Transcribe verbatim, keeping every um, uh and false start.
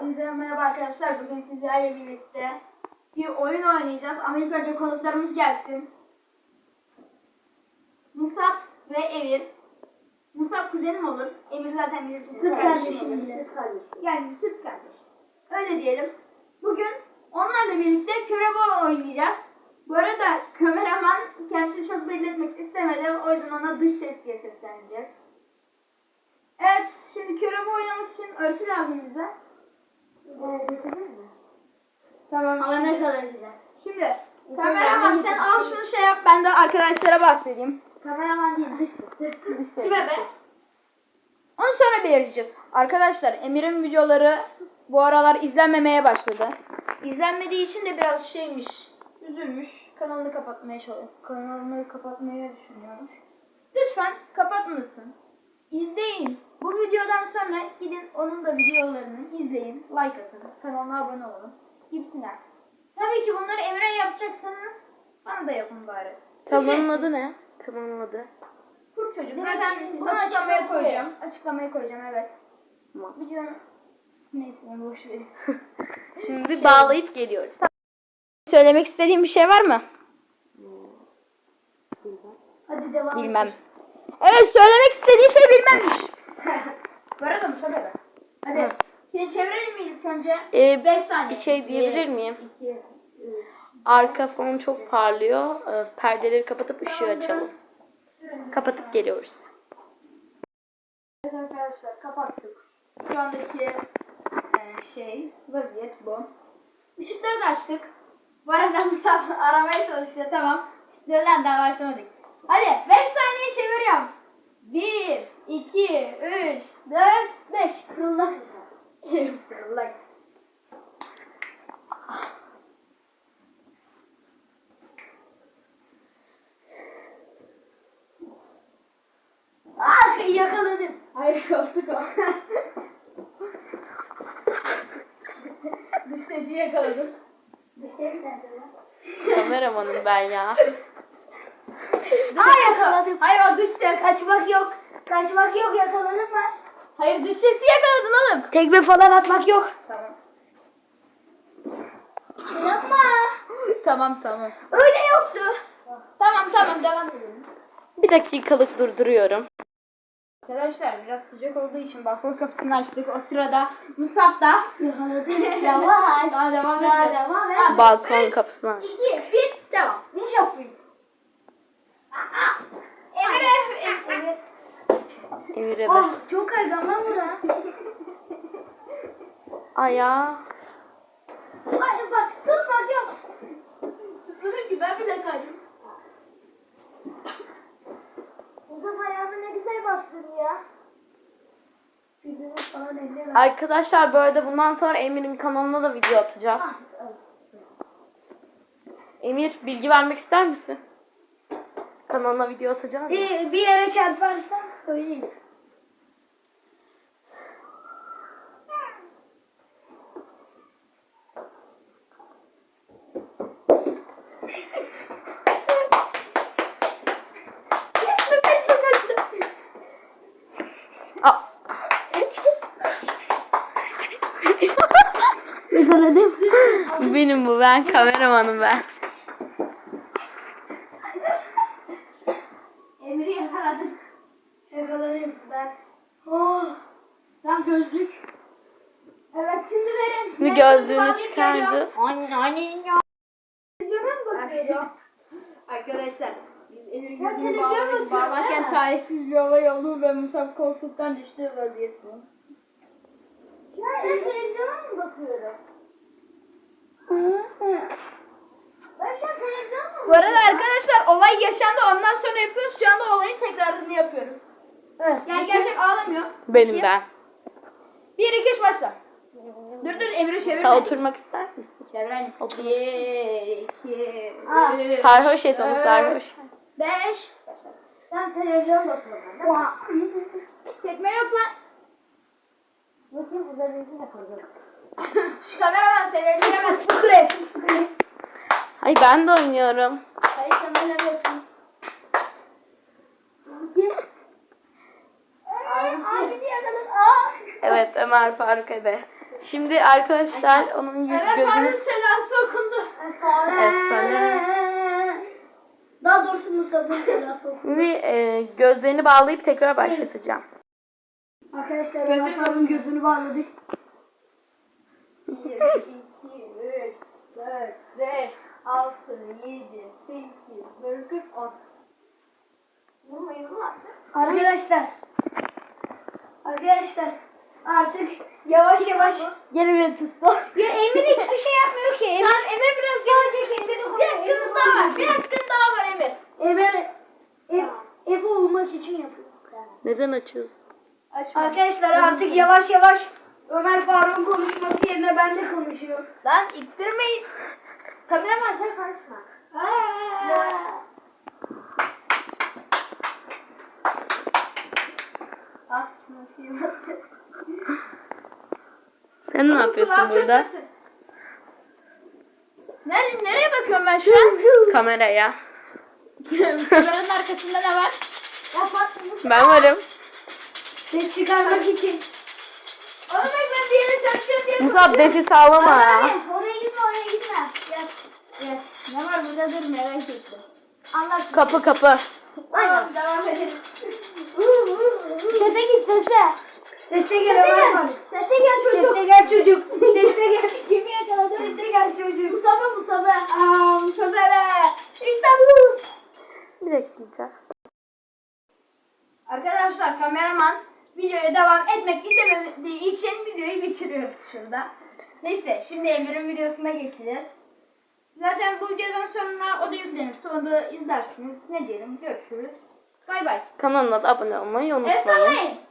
Hepinize merhaba arkadaşlar. Bugün sizlerle birlikte bir oyun oynayacağız. Ama ilk önce konuklarımız gelsin. Musab ve Emir. Musab kuzenim olur. Emir zaten bilirsiniz. Süt kardeşim bile. Süt kardeşim. Yani süt kardeş. Öyle diyelim. Bugün onlarla birlikte körebe oynayacağız. Bu arada kameraman kendisini çok belli etmek istemedi. O yüzden ona dış ses diye sesleneceğiz. Evet, şimdi körebe oynamak için örtü lazım bize. Tamam. Ama ne kadar güzel. Şimdi kameraman sen al şunu şey yap, ben de arkadaşlara bahsedeyim. Kameraman değil, dış ses. Dış ses. Kime be? Onu sonra belirleyeceğiz. Arkadaşlar Emir'in videoları bu aralar izlenmemeye başladı. İzlenmediği için de biraz şeymiş, üzülmüş. Kanalını kapatmaya çalışıyor. Kanalını kapatmayı düşünüyormuş. Lütfen kapatmasın. İzleyin. Bu videodan sonra gidin onun da videolarını izleyin. Like atın. Kanalına abone olun. Gibisinden. Tabii ki bunları Emre yapacaksanız bana da yapın bari. Kanalın adı ne? Kanalın adı. Kurt çocuk. Zaten bunu açıklamaya koyacağım. Açıklamaya koyacağım, evet. Tamam. Videonun neyse boş verin. Şimdi şey... bağlayıp geliyoruz. Söylemek istediğin bir şey var mı? Hadi devam. Bilmem. Evet, söylemek istediği şey bilmemmiş. Bu arada mı söyle? Hadi. Hı. Seni çevirelim mi ilk önce? Ee, beş saniye. Bir şey diyebilir miyim? iki, üç. Arka fon çok parlıyor. Ee, perdeleri kapatıp ışığı açalım. Kapatıp geliyoruz. Evet arkadaşlar, kapattık. Şu andaki e, şey, vaziyet bu. Işıkları da açtık. Bu arada misafir aramaya çalışıyor, tamam. İşte lan daha başlamadık. Hadi beş saniye çeviriyorum. bir, iki, üç, dört, beş. Fırıldak. Fırıldak. Aa, seni yakaladım. Hayır, koltuk o. Dış sesi yakaladım. Dış ses nerede lan? Kameramanım ben ya. Aa, yakaladım. Hayır, o dış ses. Kaçmak yok. Kaçmak yok, yakaladın mı? Hayır, dış sesi yakaladın oğlum. Tekme falan atmak yok. Tamam. Yapma. Tamam tamam. Öyle yoktu. Tamam tamam, devam edelim. Bir dakikalık durduruyorum. Arkadaşlar biraz sıcak olduğu için balkon kapısını açtık. O sırada Musab da Yakaladım. Yavaş. daha devam Daha edeceğiz. devam et. Ha, Balkon üç, kapısını aç. iki, bir, devam. Ne yapayım? Emre, Emre. Emir'e Oh, bak. çok kaygan lan bura. Ayağı. Hayır bak, tutmak yok. Tutulur ki, ben bile kaydım. Uzun ayağını ne güzel bastın ya. Yüzünü falan elleme. Arkadaşlar bu arada bundan sonra Emir'in kanalına da video atacağız. Emir, bilgi vermek ister misin? Kanalına video atacağız. Bir, bir yere çarparsan söyleyeyim. Yakaladım. Benim bu, ben kameramanım ben. Emir'i yakaladım. Yakaladım ben. Oh. Tam gözlük. Evet, şimdi verin. Bir gözlüğünü çıkardı. Anne anne ya. Televizyona mı bakıyor? Arkadaşlar biz Emir gözünü bağladık. Bağlarken talihsiz bir olay oldu ve Musab koltuktan düştü, vaziyet bu. Ya ben televizyona mı bakıyorum? Ben şu an televizyona mı Bu arada arkadaşlar olay yaşandı, ondan sonra yapıyoruz. Şu anda olayın tekrarını yapıyoruz. Evet. Yani gerçek ağlamıyor. Benim İki. ben. Bir, iki, üç, başla. Dur dur, Emre çevir. Sen oturmak ister misin? Çevirelim. Oturmak Bir, iki, Aa, üç, sarhoş et onu, dört, sarhoş. Beş. Sen televizyon bakıyorsun değil mi? Tekme yok lan. Bakayım üzerinizi yapalım. Şu kameraman seni öldüremez. Fıkır et. Ay ben de oynuyorum. Hayır, sen oynamıyorsun. Evet, Ömer Faruk Ede. Şimdi arkadaşlar onun yüz Evet, gözünü... Tanrı selası okundu. Efsane. Daha doğrusu Musa'nın selası olsun. Şimdi e, gözlerini bağlayıp tekrar başlatacağım. Arkadaşlar Ömer Faruk'un gözünü bağladık. bir, iki, üç, dört, beş, altı, yedi, sekiz, dokuz, on. Vurmayın ulan. Arkadaşlar. Arkadaşlar. Artık yavaş yavaş. Gelin beni tuttu. Ya Emir hiçbir şey yapmıyor ki. Emir, Tamam Emir biraz gelecek. Emir Bir hakkınız daha var. Bir hakkın daha var Emir. Emir ev, ev olmak için yapıyor. Neden açıyorsun? Açma. Arkadaşlar artık yavaş yavaş Ömer Faruk'un konuşması yerine ben de konuşuyorum. Lan ittirmeyin. Kameraman sen karışma. Ah, nasıl yaptı? Sen ne yapıyorsun burada? Nereye, nereye bakıyorum ben şu an? Kameraya. Kameranın arkasında ne var? Ben varım. Ses çıkarmak için. Onu bak ben bir yere çalışıyorum diye. Musab nefes sağlama ya. Oraya gitme oraya gitme. Gel. Gel. Ne var burada dur merak ettim. Anlat. Kapı kapı. Tamam devam edelim. Sese git sese. Sese gel Sese Ömer gel. Faruk. Sese gel çocuk. Sese gel çocuk. Sese gel. Kimi yakaladı? Sese gel çocuk. Mustafa Mustafa. Aa Mustafa be. İşte bu. Bir dakika. Arkadaşlar kameraman videoya devam etmek istemediği için videoyu bitiriyoruz şurada. Neyse şimdi Emir'in videosuna geçeceğiz. Zaten bu videodan sonra o da yüklenirse onu da izlersiniz. Ne diyelim görüşürüz. Bay bay. Kanalına da abone olmayı El unutmayın. sallayın.